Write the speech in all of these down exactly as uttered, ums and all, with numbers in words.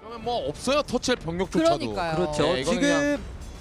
그러면 뭐 없어요. 터치할 병력조차도. 그러니까요. 그렇죠. 네, 이거는 지금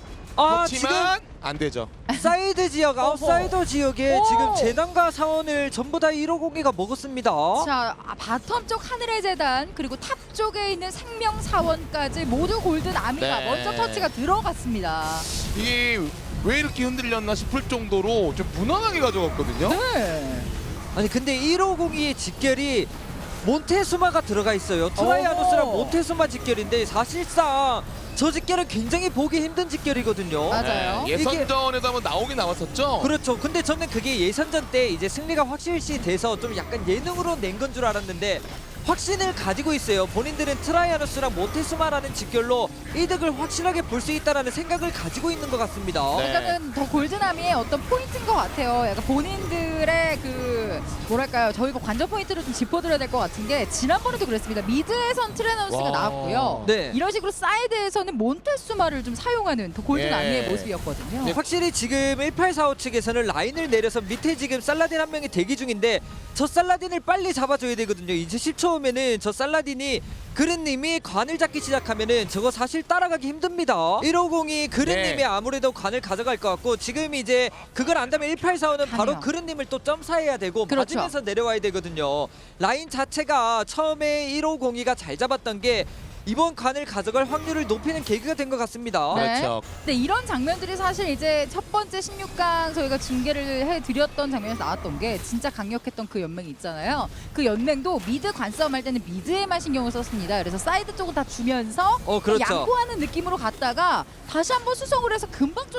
아 그렇지만 안 되죠. 지금 사이드 지역 아웃사이더 지역에 오. 지금 재단과 사원을 전부 다 일오공이가 먹었습니다. 자, 아, 바텀 쪽 하늘의 재단 그리고 탑 쪽에 있는 생명 사원까지 모두 골든 아미가 네. 먼저 터치가 들어갔습니다. 이게 왜 이렇게 흔들렸나 싶을 정도로 좀 무난하게 가져갔거든요. 네. 아니 근데 일오공이의 직결이 몬테수마가 들어가 있어요. 트라이아노스랑 어허. 몬테수마 직결인데 사실상 저 직결은 굉장히 보기 힘든 직결이거든요. 맞아요. 네, 예선전에도 한번 나오긴 나왔었죠. 그렇죠. 근데 저는 그게 예선전 때 이제 승리가 확실시 돼서 좀 약간 예능으로 낸 건 줄 알았는데 확신을 가지고 있어요. 본인들은 트라이아노스랑 모테스마라는 직결로 이득을 확실하게 볼 수 있다는 생각을 가지고 있는 것 같습니다. 네. 이거는 더 골드나미의 어떤 포인트인 것 같아요. 약간 본인들의 그 뭐랄까요, 저희가 관전 포인트를 좀 짚어드려야 될 것 같은 게 지난번에도 그랬습니다. 미드에선 트레너스가 와. 나왔고요. 네. 이런 식으로 사이드에서는 몬테수마를 좀 사용하는 더 골드나미의 예. 모습이었거든요. 네. 확실히 지금 일팔사오 측에서는 라인을 내려서 밑에 지금 살라딘 한 명이 대기 중인데 저 살라딘을 빨리 잡아줘야 되거든요. 이제 십 초 후면은 저 살라딘이 그른님이 관을 잡기 시작하면은 저거 사실 따라가기 힘듭니다. 일오공이 그른님이 네. 아무래도 관을 가져갈 것 같고 지금 이제 그걸 안다면 일팔사오는 바로 가네요. 그른님을 또 점사해야 되고 그렇죠. 맞으면서 내려와야 되거든요. 라인 자체가 처음에 일오공이가 잘 잡았던 게 이번 관을 가져갈 확률을 높이는 계기가 된 것 같습니다. 네. 그렇죠. 근데 이런 장면들이 사실 이제 첫 번째 십육 강 저희가 중계를 해드렸던 장면에서 나왔던 게 진짜 강력했던 그 연맹이 있잖아요. 그 연맹도 미드 관싸움 할 때는 미드에만 신경을 썼습니다. 그래서 사이드 쪽은 다 주면서 어, 그렇죠. 양보하는 느낌으로 갔다가 다시 한번 수성을 해서 금방 쫓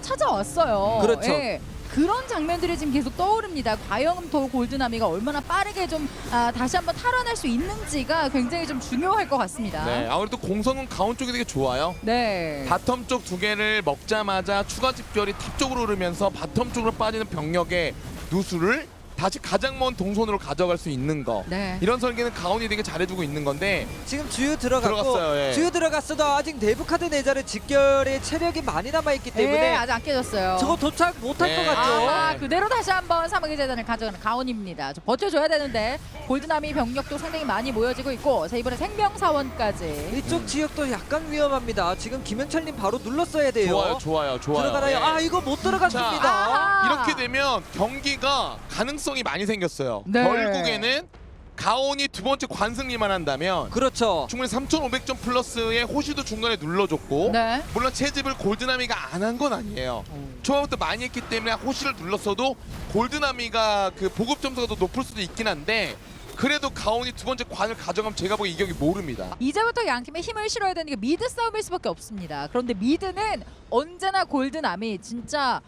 찾아왔어요. 그렇죠. 예. 그런 장면들이 지금 계속 떠오릅니다. 과연 더 골드나미가 얼마나 빠르게 좀 아, 다시 한번 탈환할 수 있는지가 굉장히 좀 중요할 것 같습니다. 네, 아무래도 공성은 가운 쪽이 되게 좋아요. 네. 바텀 쪽 두 개를 먹자마자 추가 집결이 탑 쪽으로 흐르면서 바텀 쪽으로 빠지는 병력의 누수를 다시 가장 먼 동선으로 가져갈 수 있는 거. 네. 이런 설계는 가온이 되게 잘해주고 있는 건데 지금 주유 들어갔고 들어갔어요, 예. 주유 들어갔어도 아직 내부 카드 내자를 직결에 체력이 많이 남아있기 때문에 네, 아직 안 깨졌어요. 저거 도착 못할 네. 것 같죠. 아, 그대로 다시 한번 사막의 재단을 가져가는 가온입니다. 좀 버텨줘야 되는데 골드나미 병력도 상당히 많이 모여지고 있고 자 이번에 생명사원까지. 이쪽 지역도 약간 위험합니다. 지금 김현철님 바로 눌렀어야 돼요. 좋아요, 좋아요, 좋아요. 들어가나요? 예. 아 이거 못 들어갔습니다. 아하. 이렇게 되면 경기가 가능성이 많이 생겼어요. 네. 결국에는 가온이 두 번째 관승리만 한다면 그렇죠. 충분히 삼천오백 점 플러스의 호시도 중간에 눌러줬고 네. 물론 채집을 골드나미가 안 한 건 아니에요. 초반부터 많이 했기 때문에 호시를 눌렀어도 골드나미가 그 보급 점수가 더 높을 수도 있긴 한데 그래도 가온이 두 번째 관을 가져가면 제가 보기엔 이 경기 모릅니다. 이제부터 양 팀의 힘을 실어야 되는 게 미드 싸움일 수밖에 없습니다. 그런데 미드는 언제나 골드나미 진짜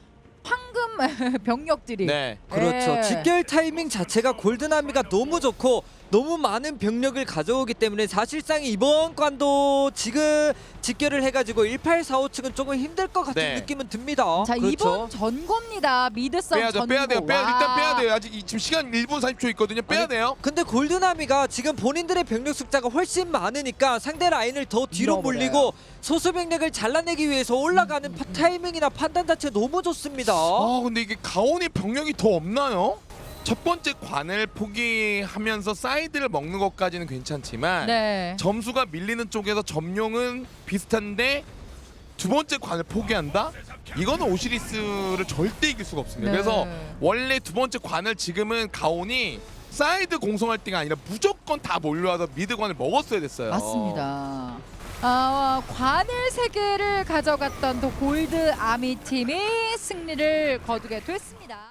황금 병력들이. 네. 그렇죠. 예. 직결 타이밍 자체가 골드나미가 너무 좋고 너무 많은 병력을 가져오기 때문에 사실상 이번 관도 지금 직결을 해가지고 일팔사오 측은 조금 힘들 것 같은 네. 느낌은 듭니다. 자 그렇죠. 이번 전고입니다. 미드 싸움 빼야죠, 전고. 빼야 돼요. 빼야, 와. 일단 빼야 돼요. 아직 이- 지금 시간 일 분 사십 초 있거든요. 빼야 아니, 돼요. 근데 골드나미가 지금 본인들의 병력 숫자가 훨씬 많으니까 상대 라인을 더 뒤로 밀어버려요. 몰리고 소수 병력을 잘라내기 위해서 올라가는 파- 타이밍이나 판단 자체 너무 좋습니다. 아 근데 이게 가온이 병력이 더 없나요? 첫 번째 관을 포기하면서 사이드를 먹는 것까지는 괜찮지만 네. 점수가 밀리는 쪽에서 점령은 비슷한데 두 번째 관을 포기한다? 이거는 오시리스를 절대 이길 수가 없습니다. 네. 그래서 원래 두 번째 관을 지금은 가온이 사이드 공성할 때가 아니라 무조건 다 몰려와서 미드 관을 먹었어야 됐어요. 맞습니다. 아, 관을 세 개를 가져갔던 또 골드 아미 팀이 승리를 거두게 됐습니다.